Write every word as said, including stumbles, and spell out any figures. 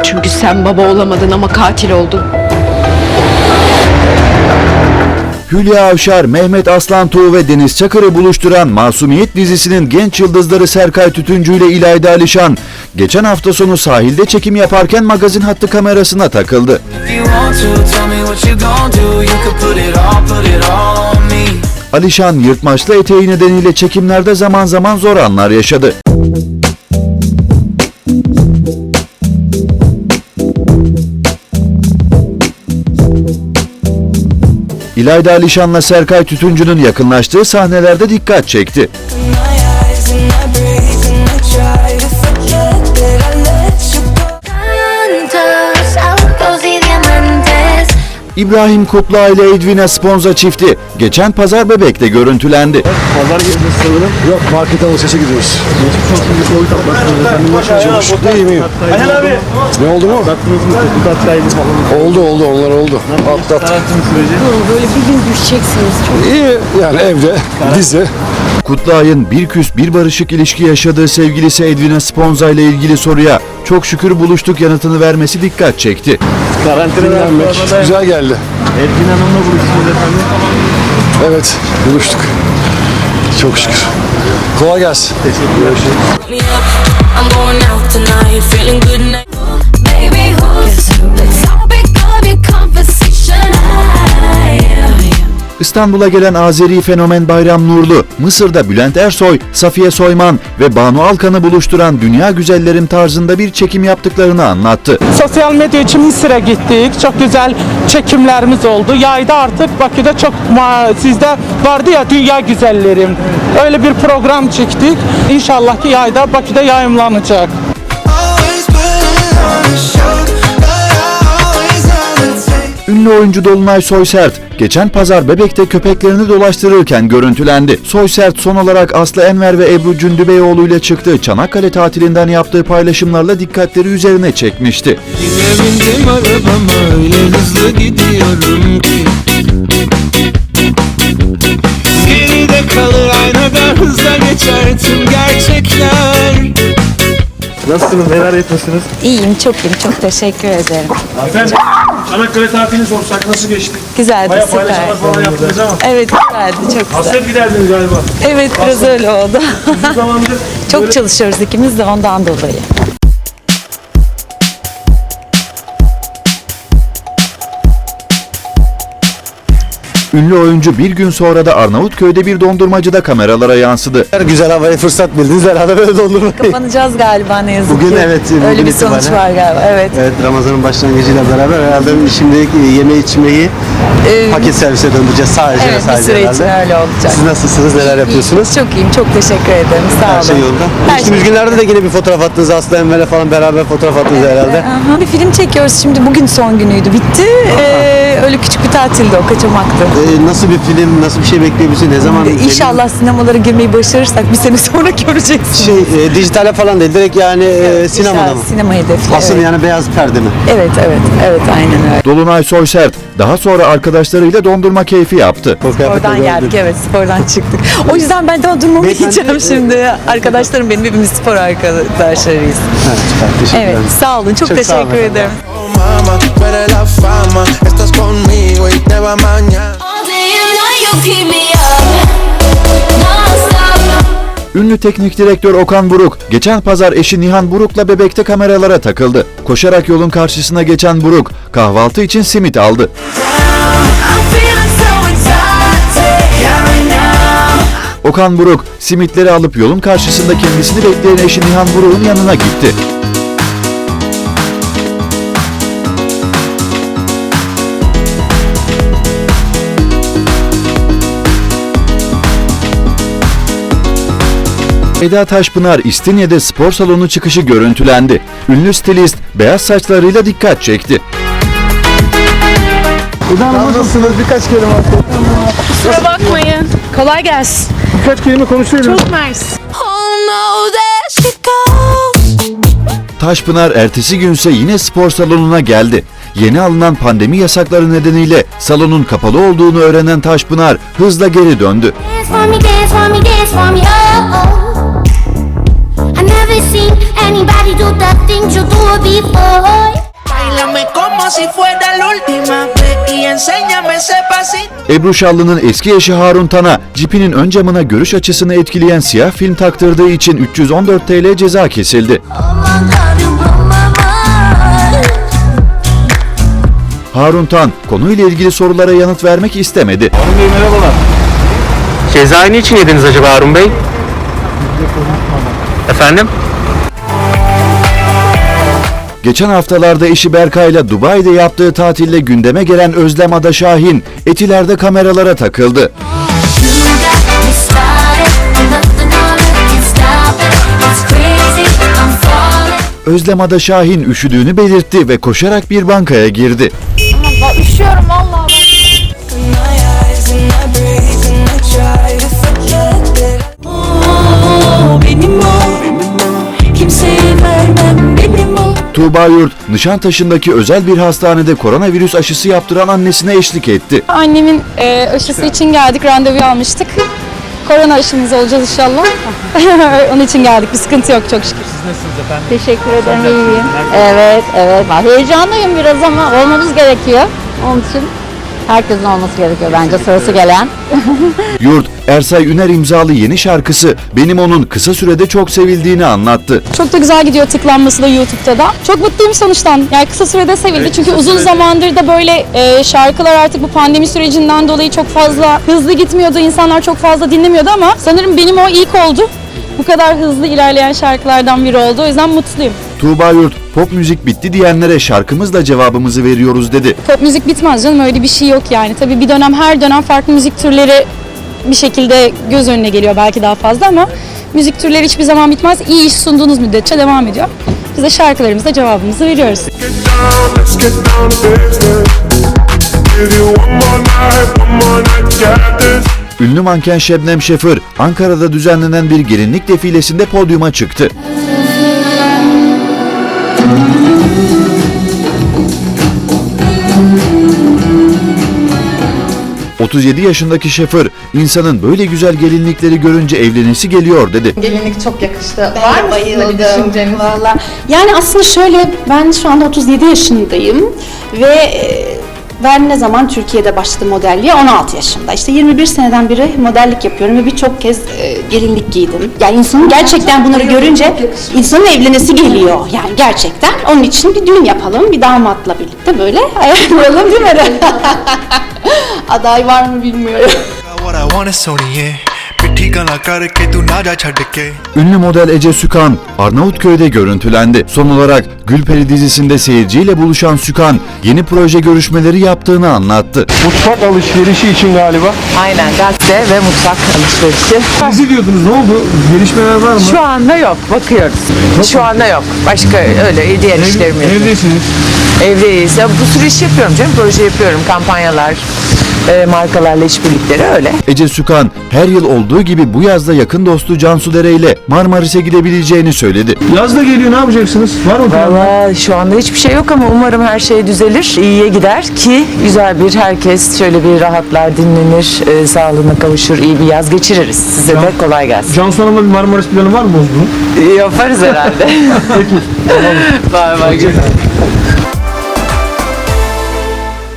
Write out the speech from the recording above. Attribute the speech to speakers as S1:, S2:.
S1: Çünkü sen baba olamadın ama katil oldun.
S2: Hülya Avşar, Mehmet Aslantuğ ve Deniz Çakır'ı buluşturan Masumiyet dizisinin genç yıldızları Serkay Tütüncü ile İlayda Alişan, geçen hafta sonu sahilde çekim yaparken magazin hattı kamerasına takıldı. Alişan, yırtmaçlı eteği nedeniyle çekimlerde zaman zaman zor anlar yaşadı. İlayda Alişan'la Serkay Tütüncü'nün yakınlaştığı sahnelerde dikkat çekti. İbrahim Kutluay ile Edwina Sponza çifti geçen pazar Bebek'te görüntülendi.
S3: Pazar gireceğiz sanırım. Yok, market alışverişe gidiyoruz. Geçmiş olsun, bir Covid atlattınız. Çalıştık da iyiyim. Aynen abi. Ne oldu mu? Atlattınız mı? Tetkik attaydı falan. Oldu oldu, onlar oldu. Atlattık.
S1: Böyle bir gün düşeceksiniz. Çok
S3: İyi yani, evde, dizi.
S2: Kutluay'ın bir küs bir barışık ilişki yaşadığı sevgilisi Edwina Sponza ile ilgili soruya "çok şükür buluştuk" yanıtını vermesi dikkat çekti.
S3: Karantina'dan güzel geldi.
S4: Edwin Hanım'la buluştunuz efendim.
S3: Evet, buluştuk. Çok şükür. Kolay gelsin. Teşekkür ederim.
S2: İstanbul'a gelen Azeri fenomen Bayram Nurlu, Mısır'da Bülent Ersoy, Safiye Soyman ve Banu Alkan'ı buluşturan Dünya Güzellerim tarzında bir çekim yaptıklarını anlattı.
S5: Sosyal medya için Mısır'a gittik. Çok güzel çekimlerimiz oldu. Yayda artık Bakü'de çok sizde vardı ya Dünya Güzellerim. Öyle bir program çektik. İnşallah ki yayda Bakü'de yayımlanacak.
S2: Ünlü oyuncu Dolunay Soysert, geçen pazar Bebek'te köpeklerini dolaştırırken görüntülendi. Soysert son olarak Aslı Enver ve Ebru Cündübeyoğlu ile çıktığı Çanakkale tatilinden yaptığı paylaşımlarla dikkatleri üzerine çekmişti.
S6: Yine bindim arabama, öyle hızlı gidiyorum ki geride kalır aynada hızla geçer tüm gerçekler.
S4: Nasılsınız? Neler yapıyorsunuz?
S7: İyiyim, çok iyiyim. Çok teşekkür ederim.
S4: Efendim, Çanakkale tatilini sorsak nasıl geçti?
S7: Güzeldi,
S4: Bayağı
S7: süper.
S4: paylaşımlar falan yaptınız ama.
S7: Evet, güzeldi, çok güzel.
S4: Hasret giderdiniz galiba.
S7: Evet, biraz öyle oldu.
S4: Uzun zamandır
S7: Çok
S4: böyle-
S7: çalışıyoruz ikimiz de ondan dolayı.
S2: Ünlü oyuncu bir gün sonra da Arnavutköy'de bir dondurmacıda kameralara yansıdı.
S3: Her güzel havaya fırsat bildiniz herhalde, böyle doldurmayın.
S7: Kapanacağız galiba ne yazık
S8: Bugün
S7: ki.
S8: evet, bugün
S7: Öyle bir sonuç
S8: itibaren.
S7: var galiba, evet.
S8: Evet, Ramazan'ın başlangıcıyla beraber herhalde şimdilik yeme içmeyi
S7: Ee,
S8: paket servise döndüreceğiz sadece ve
S7: Evet, bir
S8: sadece
S7: süre için
S8: herhalde.
S7: öyle olacak.
S8: Siz nasılsınız, neler yapıyorsunuz?
S7: Çok iyiyim, çok teşekkür ederim. Sağ olun.
S8: Her şey yolunda.
S7: Her
S8: Geçtiğimiz
S7: şey-
S8: günlerde de yine bir fotoğraf attınız, Aslı Enver'le falan beraber fotoğraf attınız herhalde.
S7: Aha, bir film çekiyoruz şimdi. Bugün son günüydü, bitti. Ee, öyle küçük bir tatildi o, kaçamaktı.
S8: Ee, nasıl bir film, nasıl bir şey bekliyorsunuz, ne zaman?
S7: İnşallah sinemalara girmeyi başarırsak bir sene sonra göreceksiniz.
S8: Şey, e, dijitale falan değil, direkt yani e, sinemada
S7: İnşallah
S8: mı?
S7: Sinema hedefli.
S8: Aslında
S7: evet.
S8: yani beyaz perde mi?
S7: Evet, evet, evet, aynen öyle.
S2: Dolunay Soysert daha sonra arkadaşlarıyla dondurma keyfi yaptı.
S8: O kıyafetle
S7: Spordan
S8: gördüm.
S7: geldik, evet, spordan çıktık. O yüzden ben dondurmamı
S8: Beyefendi-
S7: yiyeceğim şimdi. Arkadaşlarım benim, hepimiz spor arkadaşlarıyız.
S8: Ha, süper, teşekkür
S7: Evet,
S8: ederim.
S7: sağ olun, çok,
S8: Çok sağ olun
S7: teşekkür
S8: efendim.
S7: ederim.
S6: Oh mama, tú eres la fama, estás conmigo y te va mañana.
S9: All day and night you keep me up, non-stop.
S2: Ünlü teknik direktör Okan Buruk, geçen pazar eşi Nihan Buruk'la Bebek'te kameralara takıldı. Koşarak yolun karşısına geçen Buruk, kahvaltı için simit aldı.
S9: I'm feeling so excited right now.
S2: Okan Buruk, simitleri alıp yolun karşısında kendisini bekleyen eşi Nihan Buruk'un yanına gitti. Eda Taşpınar, İstinye'de spor salonu çıkışı görüntülendi. Ünlü stilist beyaz saçlarıyla dikkat çekti.
S3: Nasılsınız? Birkaç kelime atın.
S1: kusura bakmayın. Kolay gelsin.
S3: Birkaç kelime konuşuyoruz.
S1: Çok mersi.
S9: Oh no, there she goes.
S2: Taşpınar ertesi günse yine spor salonuna geldi. Yeni alınan pandemi yasakları nedeniyle salonun kapalı olduğunu öğrenen Taşpınar hızla geri döndü.
S9: Dance for me, dance for me, dance for me, oh, oh. I never seen anybody do the things you do before.
S6: Báilame como si fuera la última vez y enséñame ese pasito.
S2: Ebru Şallı'nın eski eşi Harun Tan'a cipinin ön camına görüş açısını etkileyen siyah film taktırdığı için üç yüz on dört TL ceza kesildi.
S9: Oh my God, you blow my mind.
S2: Harun Tan konuyla ilgili sorulara yanıt vermek istemedi.
S4: Harun Bey merhabalar.
S8: Cezayı niçin yediniz acaba Harun Bey? Efendim?
S2: Geçen haftalarda eşi Berkay'la Dubai'de yaptığı tatille gündeme gelen Özlem Ada Şahin, Etiler'de kameralara takıldı.
S9: You got me started, nothing on it can stop it. It's crazy, I'm falling.
S2: Özlem Ada Şahin üşüdüğünü belirtti ve koşarak bir bankaya girdi.
S1: Üşüyorum vallahi.
S7: Benim o, kimseye vermem benim o.
S2: Tuğba Yurt, Nişantaşı'ndaki özel bir hastanede koronavirüs aşısı yaptıran annesine eşlik etti.
S1: Annemin e, aşısı için geldik, randevu almıştık. Korona aşımız olacağız inşallah. Onun için geldik, bir sıkıntı yok çok şükür.
S5: Siz nasılsınız efendim?
S10: Teşekkür ederim, iyiyim. Evet, evet. Heyecanlıyım biraz ama olmamız gerekiyor. Onun için herkesin olması gerekiyor bence sırası gelen.
S2: Yurt, Ersay Üner imzalı yeni şarkısı Benim Onun kısa sürede çok sevildiğini anlattı.
S1: Çok da güzel gidiyor tıklanması da YouTube'da da. Çok mutluyum sonuçtan. Yani kısa sürede sevildi. Çünkü uzun zamandır da böyle e, şarkılar artık bu pandemi sürecinden dolayı çok fazla hızlı gitmiyordu. İnsanlar çok fazla dinlemiyordu ama sanırım benim o ilk oldu. Bu kadar hızlı ilerleyen şarkılardan biri oldu. O yüzden mutluyum.
S2: Tuğba Yurt, pop müzik bitti diyenlere şarkımızla cevabımızı veriyoruz dedi.
S1: Pop müzik bitmez canım, öyle bir şey yok yani. Tabii bir dönem her dönem farklı müzik türleri bir şekilde göz önüne geliyor belki daha fazla ama müzik türleri hiçbir zaman bitmez. İyi iş sunduğunuz müddetçe devam ediyor. Biz de şarkılarımızla cevabımızı veriyoruz.
S3: Let's get down to business. Give you one more night, one more night, got this.
S2: Ünlü manken Şebnem Şefır, Ankara'da düzenlenen bir gelinlik defilesinde podyuma çıktı. otuz yedi yaşındaki Şefır, insanın böyle güzel gelinlikleri görünce evlenesi geliyor dedi.
S11: Gelinlik çok yakıştı. Var mı sizin bir düşünceniz? Valla. Yani aslında şöyle, ben şu anda otuz yedi yaşındayım ve e, ben ne zaman Türkiye'de başladım modelliğe? on altı yaşımda. İşte yirmi bir seneden beri modellik yapıyorum ve birçok kez e, gelinlik giydim. Yani insanın gerçekten bunları görünce insanın evlenesi geliyor. Yani gerçekten. Onun için bir düğün yapalım, bir damatla birlikte böyle ayarlayalım değil mi? Aday var mı bilmiyorum.
S2: Ünlü model Ece Sükan, Arnavutköy'de görüntülendi. Son olarak Gülperi dizisinde seyirciyle buluşan Sükan, yeni proje görüşmeleri yaptığını anlattı.
S3: Mutfak alışverişi için galiba.
S10: Aynen, gazete ve mutfak alışverişi.
S4: Dizi diyordunuz, ne oldu? Gelişmeler var mı?
S10: Şu anda yok, bakıyoruz. Şu anda yok. Başka öyle diğer işlerim yok.
S4: Evdesiniz.
S10: Evdeyiz. Ya bu sürü iş yapıyorum canım, proje yapıyorum, kampanyalar, e, markalarla işbirlikleri öyle.
S2: Ece Sükan, her yıl olduğu gibi bu yazda yakın dostu Cansu Dere ile Marmaris'e gidebileceğini söyledi.
S4: Yaz da geliyor, ne yapacaksınız? Var mı planlar?
S10: Valla şu anda hiçbir şey yok ama umarım her şey düzelir, iyiye gider ki güzel bir herkes şöyle bir rahatlar, dinlenir, e, sağlığına kavuşur, iyi bir yaz geçiririz. Size de kolay gelsin.
S4: Cansu Hanım'la bir Marmaris planı var mı Bozgun'un?
S10: Yaparız herhalde.
S4: Peki.
S10: Bay bay.